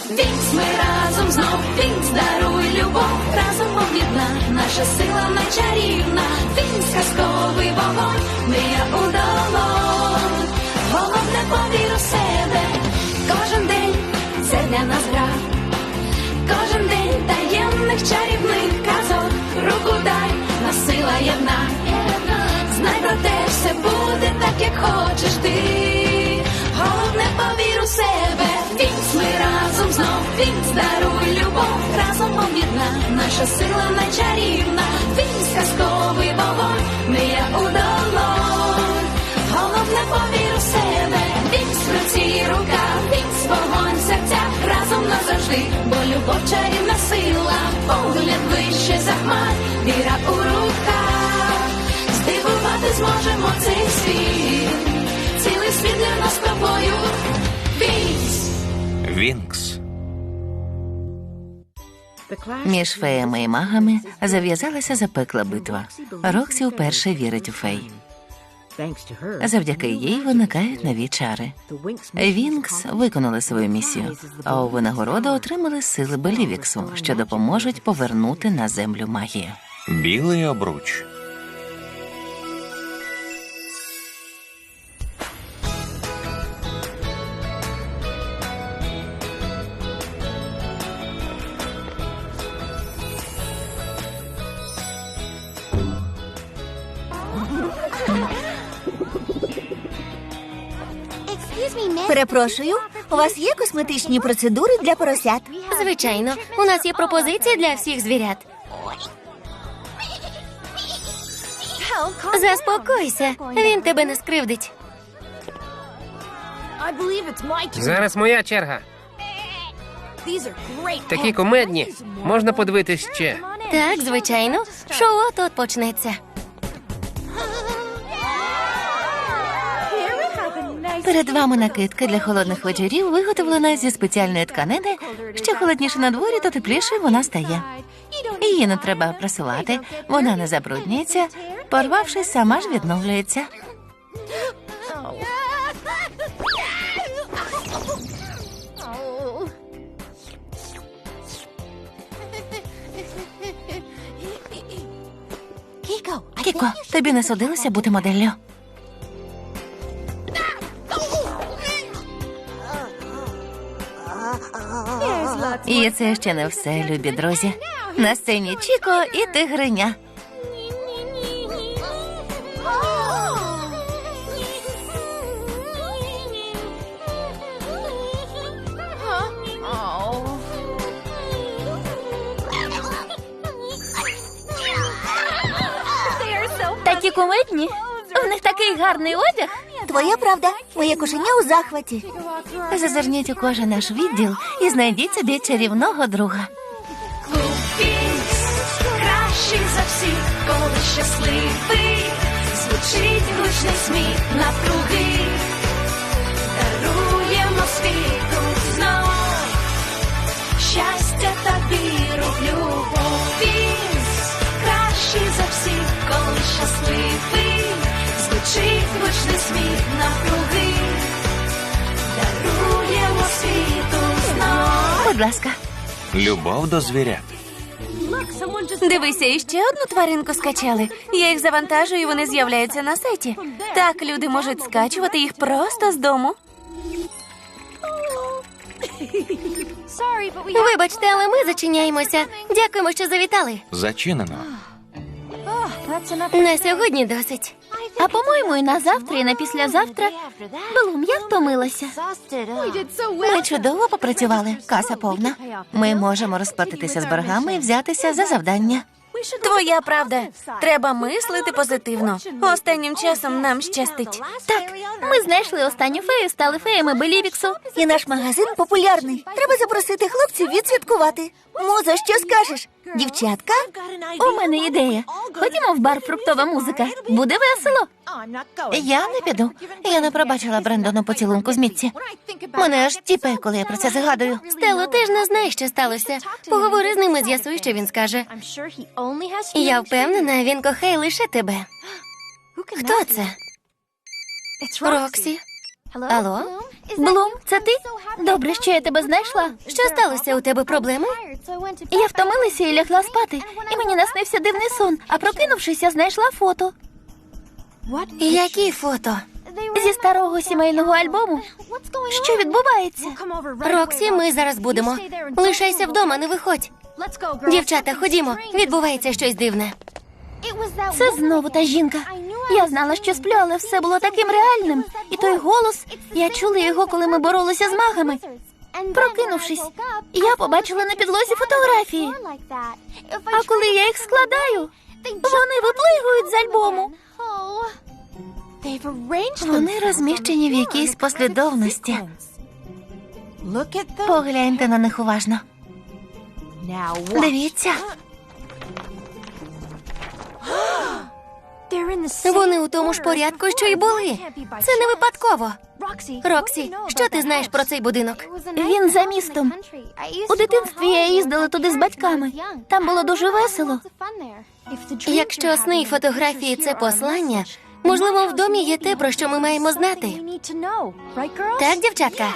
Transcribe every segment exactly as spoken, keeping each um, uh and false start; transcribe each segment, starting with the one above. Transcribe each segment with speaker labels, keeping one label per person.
Speaker 1: Вінкс, ми разом знов, Вінкс, даруй любов, разом об'єдна, наша сила найчарівна. Вінкс, казковий вогонь, мрія у долонь. Головне, повір у себе, кожен день це для нас гра. Кожен день таємних чарівних казок, руку дай, нас сила єдна. Знай про те, все буде так, як хочеш ти. Головне, повір у себе. Вінкс, ми разом знов, Вінкс, даруй любов, разом об'єдна, наша сила найчарівна. Вінкс, казковий вогонь, мрія у долонь. Головне, повір у себе. Вінкс, в руці рука, Вінкс, вогонь в серцях, разом назавжди, бо любов чарівна сила, погляд вище за хмар, віра у руках. Здивувати зможемо цей світ, цілий світ для нас з тобою. Вінкс.
Speaker 2: Вінкс.
Speaker 3: Між феями і магами зав'язалася запекла битва. Роксі вперше вірить у фей. Завдяки їй виникають нові чари. Вінкс виконали свою місію, а у винагороду отримали сили Белівіксу, що допоможуть повернути на землю магію.
Speaker 2: Білий обруч.
Speaker 4: Перепрошую, у вас є косметичні процедури для поросят?
Speaker 5: Звичайно, у нас є пропозиції для всіх звірят. Заспокойся, він тебе не скривдить.
Speaker 6: Зараз моя черга. Такі кумедні. Можна подивитись ще.
Speaker 5: Так, звичайно, шоу от-от почнеться.
Speaker 3: Перед вами накидка для холодних вечорів, виготовлена зі спеціальної тканини. Що холодніше на дворі, то тепліше вона стає. Її не треба прасувати, вона не забруднюється, порвавшись, сама ж відновлюється. Кіко, тобі не судилося бути моделлю? І це ще не все, любі друзі. На сцені Чіко і тигриня.
Speaker 5: Такі кумедні. У них такий гарний одяг.
Speaker 4: Твоя правда, моє кошеня у захваті.
Speaker 3: Зазирніть у кожен наш відділ і знайдіть собі чарівного друга.
Speaker 1: Клуб Вінкс, кращий за всіх, коли щасливий, звучить гучний сміх навкруги. Даруємо світу знов щастя та віру в любов. Вінкс, кращий за всіх, коли щасливий, звучить гучний сміх навкруги. Даруємо світу знов.
Speaker 3: Будь ласка.
Speaker 2: Любов до звірят.
Speaker 7: Дивися, іще одну тваринку скачали. Я їх завантажую, і вони з'являються на сайті. Так люди можуть скачувати їх просто з дому.
Speaker 5: Вибачте, але ми зачиняємося. Дякуємо, що завітали.
Speaker 2: Зачинено.
Speaker 5: На сьогодні досить.
Speaker 7: А по-моєму, і на завтра, і на післязавтра. Блум, я втомилася.
Speaker 3: Ми чудово попрацювали. Каса повна. Ми можемо розплатитися з боргами і взятися за завдання.
Speaker 7: Твоя правда. Треба мислити позитивно. Останнім часом нам щастить.
Speaker 5: Так, ми знайшли останню фею, стали феями Белівіксу.
Speaker 4: І наш магазин популярний. Треба запросити хлопців відсвяткувати. Муза, що скажеш? Дівчатка?
Speaker 7: У мене ідея. Ходімо в бар «Фруктова музика». Буде весело.
Speaker 3: Я не піду. Я не пробачила Брендону поцілунку з Мітці. Мене аж тіпе, коли я про це згадую.
Speaker 5: Стело, ти ж не знаєш, що сталося. Поговори з ним і з'ясуй, що він скаже. Я впевнена, він кохає лише тебе. Хто це? Роксі. Алло?
Speaker 7: Блум, це ти? Добре, що я тебе знайшла.
Speaker 5: Що сталося? У тебе проблеми?
Speaker 7: Я втомилася і лягла спати, і мені наснився дивний сон, а прокинувшись, я знайшла фото.
Speaker 5: Які фото?
Speaker 7: Зі старого сімейного альбому. Що відбувається?
Speaker 5: Роксі, ми зараз будемо. Лишайся вдома, не виходь. Дівчата, ходімо. Відбувається щось дивне.
Speaker 7: Це знову та жінка. Я знала, що сплю, але все було таким реальним. І той голос, я чула його, коли ми боролися з магами. Прокинувшись, я побачила на підлозі фотографії. А коли я їх складаю, вони виплигують з альбому.
Speaker 3: Вони розміщені в якійсь послідовності. Погляньте на них уважно. Дивіться.
Speaker 5: Вони у тому ж порядку, що й були. Це не випадково. Роксі, що ти знаєш про цей будинок?
Speaker 7: Він за містом. У дитинстві я їздила туди з батьками. Там було дуже весело.
Speaker 5: Якщо сни й фотографії – це послання, можливо, в домі є те, про що ми маємо знати. Так, дівчатка?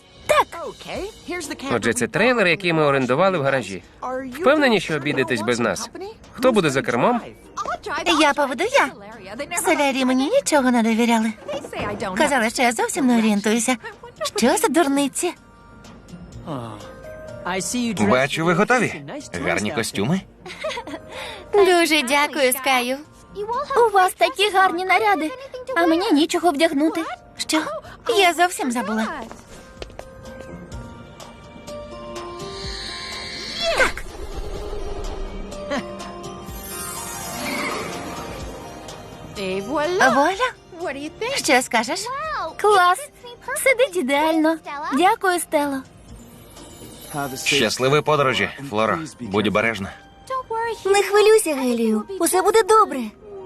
Speaker 6: Отже, це трейлер, який ми орендували в гаражі. Впевнені, що обійдетесь без нас? Хто буде за кермом?
Speaker 3: Я поведу я. Солярі мені нічого не довіряли. Казали, що я зовсім не орієнтуюся. Що за дурниці?
Speaker 2: Бачу, ви готові. Гарні костюми.
Speaker 5: Дуже дякую, Скаю.
Speaker 7: У вас такі гарні наряди, а мені нічого вдягнути.
Speaker 3: Що? Я зовсім забула. Воля? Що скажеш?
Speaker 7: Клас! Сидить ідеально. Дякую, Стело.
Speaker 2: Щасливої подорожі, Флоро. Будь обережна.
Speaker 4: Не хвилюйся, Гелію. Усе буде добре.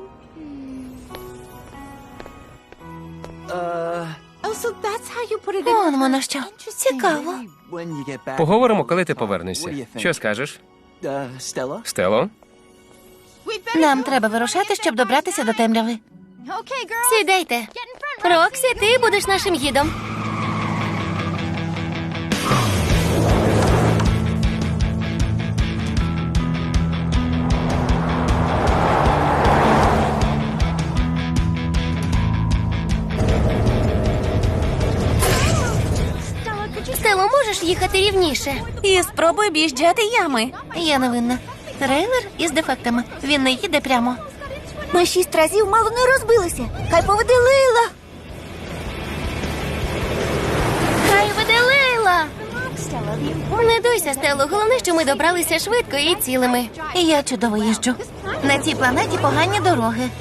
Speaker 3: Вон воно що. Цікаво.
Speaker 6: Поговоримо, коли ти повернешся. Що скажеш? Стело?
Speaker 3: Нам треба вирушати, щоб добратися до темряви.
Speaker 5: Сідайте. Роксі, ти будеш нашим гідом. Стело, можеш їхати рівніше?
Speaker 7: І спробуй об'їжджати ями.
Speaker 3: Я не винна. Трейлер із дефектами. Він не їде прямо.
Speaker 4: Ми шість разів мало не розбилися. Хай поведе Лейла.
Speaker 7: Хай веде Лейла.
Speaker 5: Не дуйся, Стело. Головне, що ми добралися швидко і цілими.
Speaker 3: І я чудово їжджу. На цій планеті погані дороги.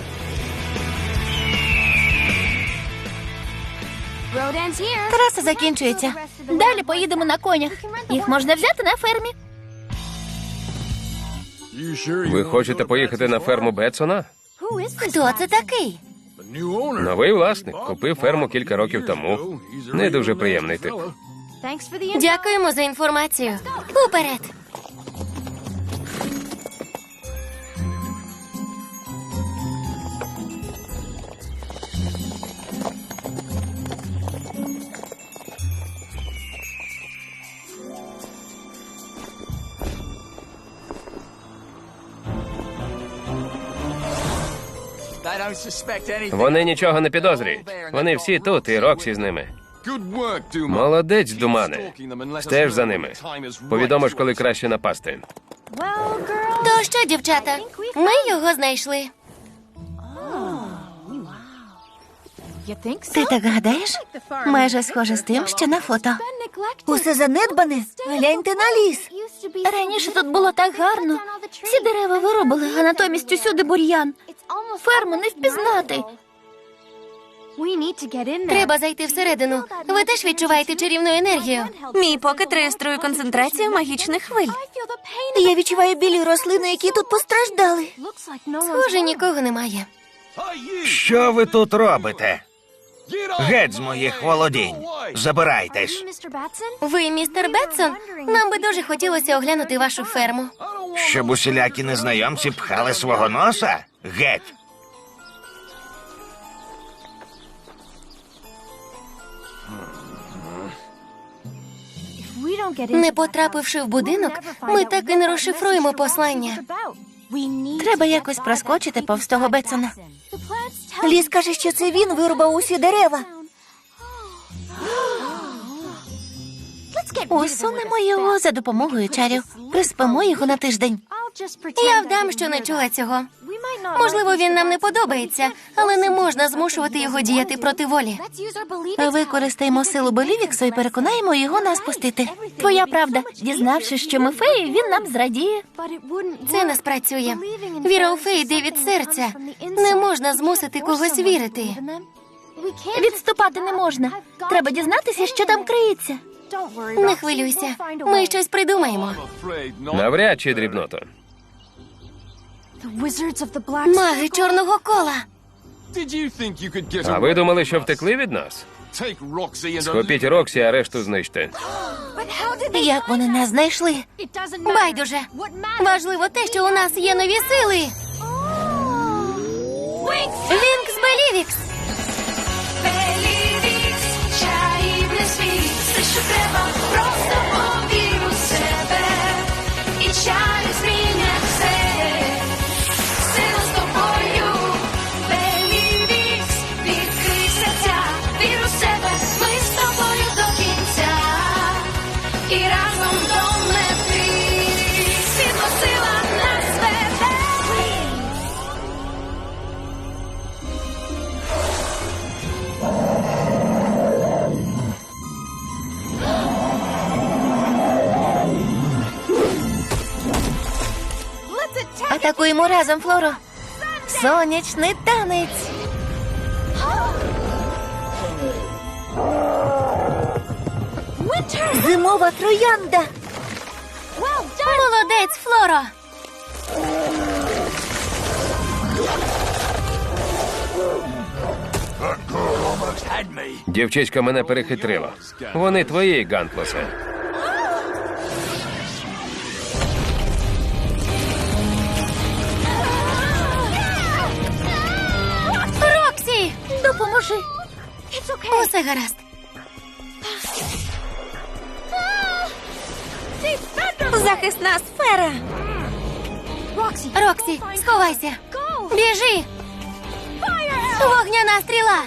Speaker 3: Траса закінчується.
Speaker 7: Далі поїдемо на конях. Їх можна взяти на фермі.
Speaker 6: Ви хочете поїхати на ферму Бетсона?
Speaker 5: Хто це такий?
Speaker 6: Новий власник. Купив ферму кілька років тому. Не дуже приємний тип.
Speaker 5: Дякуємо за інформацію. Уперед!
Speaker 6: Вони нічого не підозрюють. Вони всі тут, і Роксі з ними. Молодець, Думане. Стеж за ними. Повідомиш, коли краще напасти.
Speaker 5: То що, дівчата? Ми його знайшли.
Speaker 3: Ти так гадаєш? Майже схоже з тим, що на фото.
Speaker 4: Усе занедбане. Гляньте на ліс.
Speaker 7: Раніше тут було так гарно. Всі дерева вирубили, а натомість усюди бур'ян. Ферму не впізнати.
Speaker 5: Треба зайти всередину. Ви теж відчуваєте чарівну енергію.
Speaker 7: Мій покет реєструє концентрацію магічних хвиль.
Speaker 4: Я відчуваю білі рослини, які тут постраждали.
Speaker 5: Схоже, нікого немає.
Speaker 2: Що ви тут робите? Геть з моїх володінь. Забирайтесь.
Speaker 5: Ви, містер Бетсон? Нам би дуже хотілося оглянути вашу ферму.
Speaker 2: Щоб усілякі незнайомці пхали свого носа? Геть.
Speaker 5: Не потрапивши в будинок, ми так і не розшифруємо послання.
Speaker 3: Треба якось проскочити повз того Бетсона.
Speaker 4: Ліс каже, що це він вирубав усі дерева.
Speaker 3: Усунемо його за допомогою чарів. Приспимо його на тиждень.
Speaker 5: Я вдам, що не чула цього. Можливо, він нам не подобається, але не можна змушувати його діяти проти волі.
Speaker 3: Використаємо силу Белівіксу і переконаємо його нас пустити.
Speaker 7: Твоя правда. Дізнавшись, що ми феї, він нам зрадіє.
Speaker 5: Це не спрацює. Віра у феї йде від серця. Не можна змусити когось вірити.
Speaker 7: Відступати не можна. Треба дізнатися, що там криється.
Speaker 5: Не хвилюйся. Ми щось придумаємо.
Speaker 6: Навряд чи, дрібното.
Speaker 5: Маги чорного кола.
Speaker 6: А ви думали, що втекли від нас? Схопіть Роксі, а решту знищте.
Speaker 3: Як вони нас знайшли?
Speaker 5: Байдуже. Важливо те, що у нас є нові сили. Вінкс Белівікс.
Speaker 1: Белівікс, чарівний світ, все, що треба, просто повір у себе. І чари змінять все. Сила з тобою. Белівікс, відкрий серця, вір у себе, ми з тобою до кінця. І разом до мети, світло сила нас веде.
Speaker 3: Атакуємо разом, Флоро. Сонячний танець.
Speaker 4: Зимова троянда.
Speaker 5: Молодець, Флоро.
Speaker 6: Дівчиська мене перехитрила. Вони твої, Гантлосе.
Speaker 5: Роксі!
Speaker 7: Допоможи.
Speaker 5: Усе гаразд.
Speaker 4: Захисна сфера.
Speaker 5: Роксі, сховайся. Біжи. Вогняна стріла.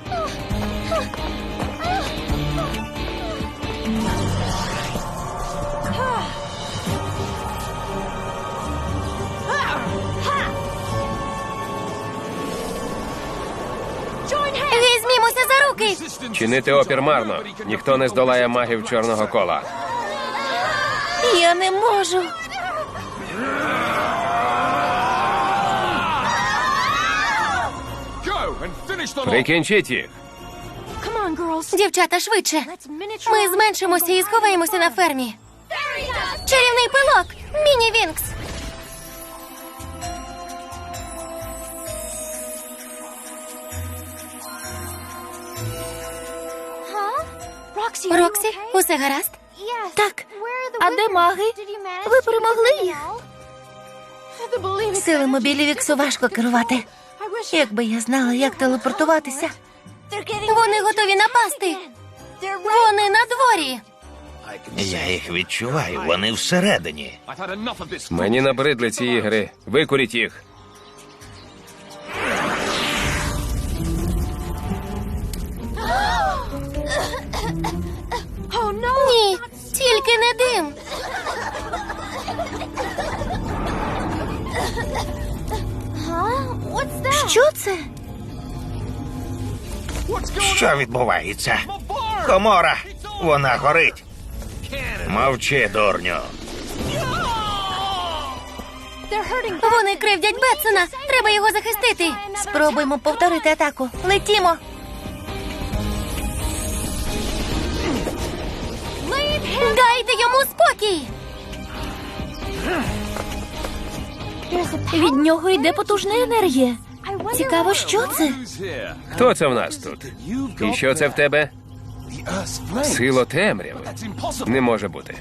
Speaker 5: Візьмімося за руки.
Speaker 6: Чинити опір марно. Ніхто не здолає магів чорного кола.
Speaker 3: Я не можу.
Speaker 6: Прикінчіть їх.
Speaker 5: Дівчата, швидше. Ми зменшимося і сховаємося на фермі. Чарівний пилок. Міні-Вінкс. Роксі, усе гаразд?
Speaker 3: Так,
Speaker 7: А де маги? Ви перемогли їх?
Speaker 3: силами Білівіксу важко керувати. Якби я знала, як телепортуватися.
Speaker 5: Вони готові напасти. Вони на дворі.
Speaker 2: Я їх відчуваю, вони всередині.
Speaker 6: Мені набридли ці ігри. Викуріть їх.
Speaker 5: Ні, тільки не дим.
Speaker 3: Що це?
Speaker 2: Що відбувається? Комора! Вона горить! Мовчи, дурню!
Speaker 5: Вони кривдять Бетсона. Треба його захистити.
Speaker 3: Спробуємо повторити атаку. Летімо.
Speaker 5: Дайте йому спокій.
Speaker 7: Від нього йде потужна енергія.
Speaker 3: Цікаво, що це?
Speaker 6: Хто це в нас тут? І що це в тебе? Сила темряви. Не може бути.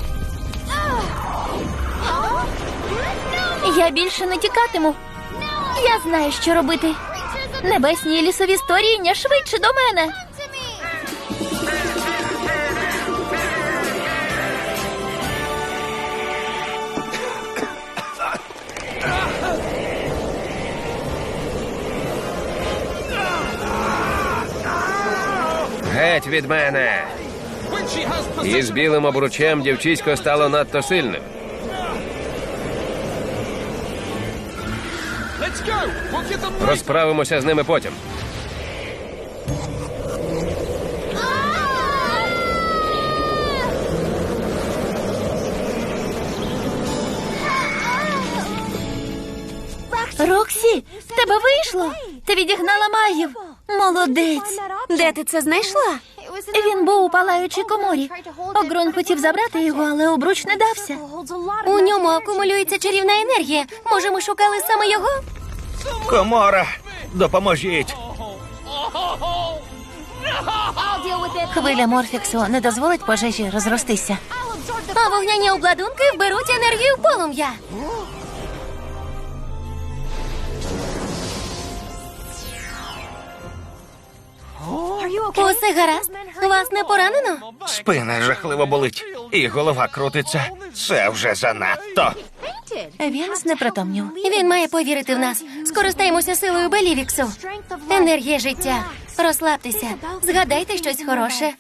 Speaker 7: Я більше не тікатиму. Я знаю, що робити. Небесні і лісові створіння швидше до мене.
Speaker 6: Геть від мене! Із білим обручем дівчисько стало надто сильним. Розправимося з ними потім.
Speaker 7: Роксі, в тебе вийшло? Ти відігнала магів. Молодець.
Speaker 4: Де ти це знайшла?
Speaker 7: Він був у палаючій коморі. Огрон хотів забрати його, але обруч не дався.
Speaker 5: У ньому акумулюється чарівна енергія. Може, ми шукали саме його?
Speaker 2: Комора, допоможіть.
Speaker 3: Хвиля Морфіксу не дозволить пожежі розростися.
Speaker 5: А вогняні обладунки вберуть енергію полум'я. Усе гаразд? Вас не поранено?
Speaker 2: Спина жахливо болить. І голова крутиться. Це вже занадто.
Speaker 3: Він знепритомнів.
Speaker 5: Він має повірити в нас. Скористаємося силою Белівіксу. Енергія життя. Розслабтеся. Згадайте щось хороше.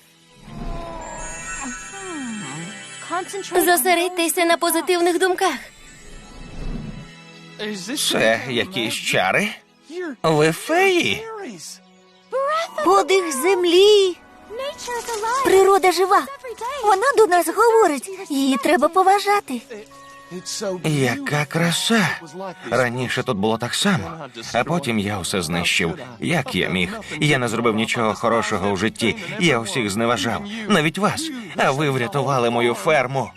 Speaker 5: Зосередьтеся на позитивних думках.
Speaker 2: Це якісь чари? Ви феї?
Speaker 4: Подих землі. Природа жива. Вона до нас говорить. Її треба поважати.
Speaker 2: Яка краса! Раніше тут було так само, а потім я усе знищив. Як я міг? Я не зробив нічого хорошого в житті. Я усіх зневажав, навіть вас. А ви врятували мою ферму.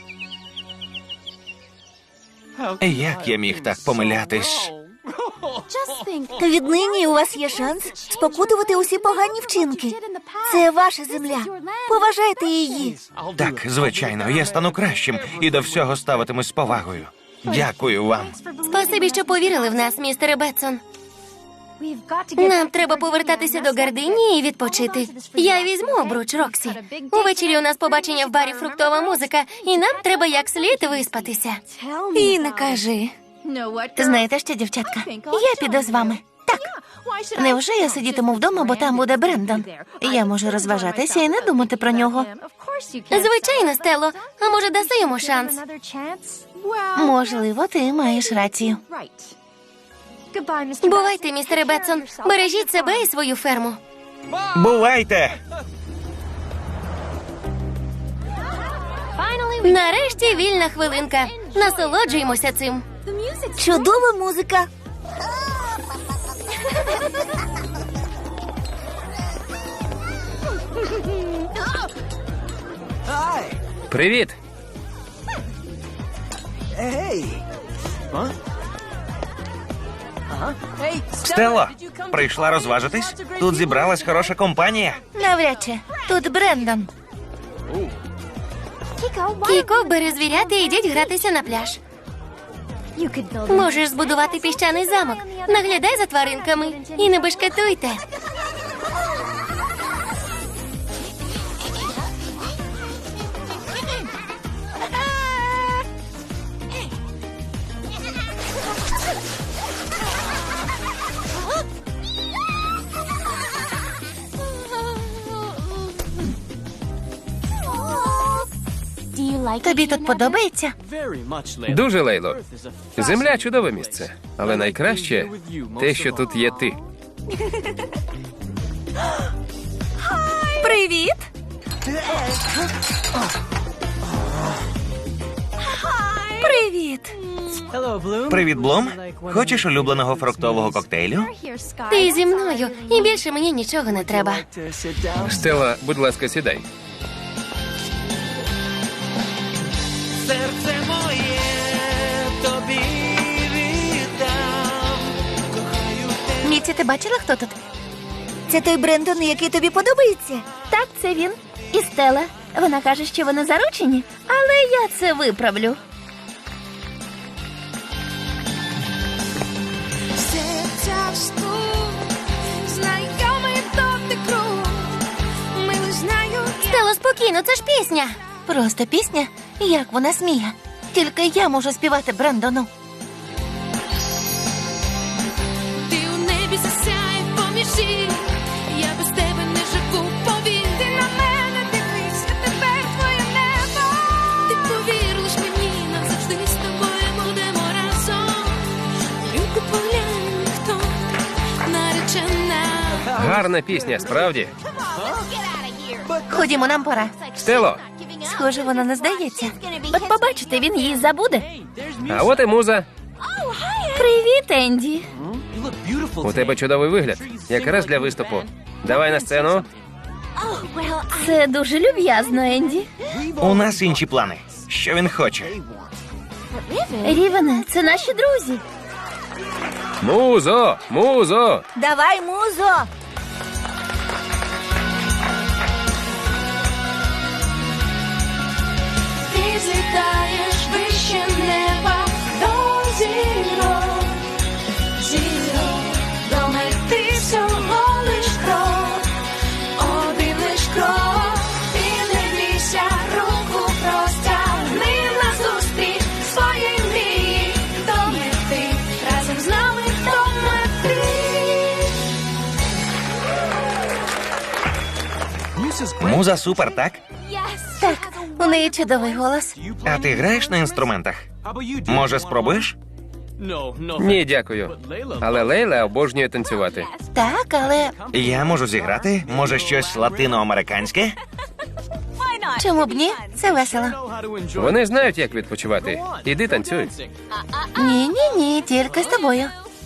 Speaker 2: Як я міг так помилятись?
Speaker 4: Віднині у вас є шанс спокутувати усі погані вчинки. Це ваша земля. Поважайте її.
Speaker 2: Так, звичайно, я стану кращим і до всього ставитимусь з повагою. Дякую вам.
Speaker 5: Спасибі, що повірили в нас, містере Бетсон. Нам треба повертатися до Гардині і відпочити. Я візьму обруч, Роксі. Увечері у нас побачення в барі «Фруктова музика», і нам треба як слід виспатися.
Speaker 4: І не кажи.
Speaker 3: Знаєте що, дівчатка? Я піду з вами. Так. Невже я сидітиму вдома, бо там буде Брендон? Я можу розважатися і не думати про нього.
Speaker 5: Звичайно, Стелло. А може, даси йому шанс?
Speaker 3: Можливо, ти маєш рацію.
Speaker 5: Бувайте, містере Бетсон. Бережіть себе і свою ферму.
Speaker 2: Бувайте!
Speaker 5: Нарешті вільна хвилинка. Насолоджуємося цим.
Speaker 4: Чудова музика.
Speaker 6: Привіт!
Speaker 2: Стелло, прийшла розважитись? Тут зібралась хороша компанія.
Speaker 3: Навряд чи. Тут Брендон.
Speaker 5: Кіко, бери звірят і йдіть гратися на пляж. Можеш збудувати піщаний замок. Наглядай за тваринками і не бешкетуйте.
Speaker 3: Тобі тут подобається?
Speaker 6: Дуже, Лейло. Земля – чудове місце. Але найкраще те, що тут є ти.
Speaker 4: Привіт. Привіт.
Speaker 2: Привіт, Блум. Хочеш улюбленого фруктового коктейлю?
Speaker 5: Ти зі мною, і більше мені нічого не треба.
Speaker 6: Стелла, будь ласка, сідай.
Speaker 8: Серце моє тобі віддам. Кохаю тебе.
Speaker 3: Міці, ти бачила, хто тут?
Speaker 4: Це той Брендон, який тобі подобається?
Speaker 7: Так, це він. І Стелла. Вона каже, що вони заручені, але я це виправлю.
Speaker 5: ну це ж пісня.
Speaker 3: Просто пісня? Як вона сміє? Тільки я можу співати Брендону.
Speaker 1: Ти у небі засяй поміж зір. Я без тебе не живу, повір. Ти на мене дивись, а тепер твоє небо. Ти повір лиш мені, назавжди з тобою будемо разом. Люку поглянь, хто наречена.
Speaker 6: Гарна пісня, справді.
Speaker 3: Ходімо, нам пора.
Speaker 6: Стело,
Speaker 3: Схоже, вона не здається.
Speaker 7: От побачите, він її забуде.
Speaker 6: а от і муза.
Speaker 7: Привіт, Енді.
Speaker 6: У тебе чудовий вигляд. Якраз для виступу. Давай на сцену.
Speaker 7: Це дуже люб'язно, Енді.
Speaker 2: У нас інші плани. Що він хоче?
Speaker 7: Рівене, це наші друзі.
Speaker 6: Музо! Музо!
Speaker 4: Давай, музо!
Speaker 1: Ти злітаєш вище неба до зірок, зірок, до мети всього лиш крок, один лиш крок, ти не бійся, руку простягни назустріч своїй мрії, до мети, разом з нами до мети.
Speaker 2: Муза супер, так?
Speaker 3: Так, у неї чудовий голос.
Speaker 2: А ти граєш на інструментах? Може, спробуєш?
Speaker 6: Ні, дякую. Але Лейла обожнює танцювати.
Speaker 3: Так, але
Speaker 2: Я можу зіграти? Може, щось латиноамериканське?
Speaker 3: чому б ні? Це весело.
Speaker 6: Вони знають, як відпочивати. Іди танцюй.
Speaker 3: Ні, ні, ні, тільки з тобою.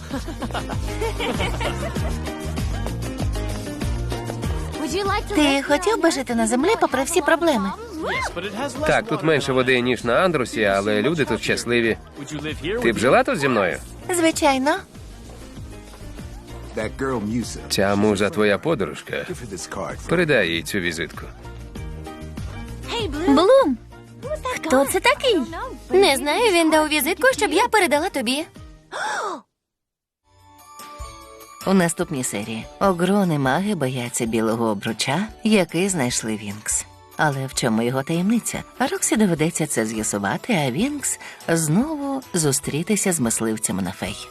Speaker 3: Ти хотів би жити на землі попри всі проблеми?
Speaker 6: Так, тут менше води, ніж на Андрусі, але люди тут щасливі. Ти б жила тут зі мною?
Speaker 3: Звичайно.
Speaker 6: Ця муза твоя подружка. Передай їй цю візитку.
Speaker 7: Блум. Хто це такий?
Speaker 5: Не знаю, він дав візитку, щоб я передала тобі.
Speaker 3: У наступній серії огрони маги бояться білого обруча, який знайшли Вінкс. Але в чому його таємниця? Роксі доведеться це з'ясувати, а Вінкс знову зустрітися з мисливцями на фей.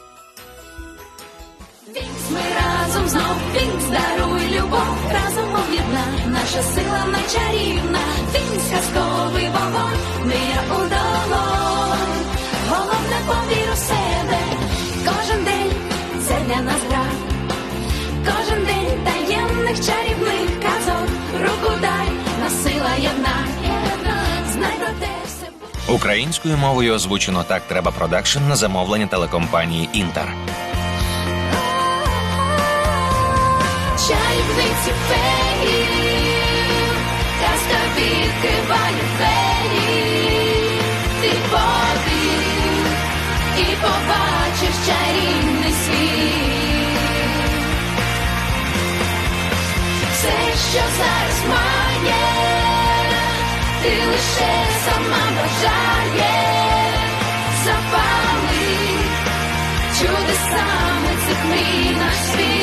Speaker 1: Вінкс, ми разом знов, Вінкс, даруй любов, разом об'єдна, наша сила найчарівна. Вінкс, казковий вогонь, мрія у долонь. Головне, повір у себе, кожен день це для нас гра. Кожен день таємних чарівних казок, руку дай, нас сила єдна. Знай про те все.
Speaker 2: Українською мовою озвучено «Так треба» продакшн на замовлення телекомпанії «Інтер».
Speaker 1: Чарівниці феї, казка відкриває двері. Ти повір і побачиш чарівний світ. Все, що зараз має, ти лише сама бажає. Запали чудесами цих мрій наш світ.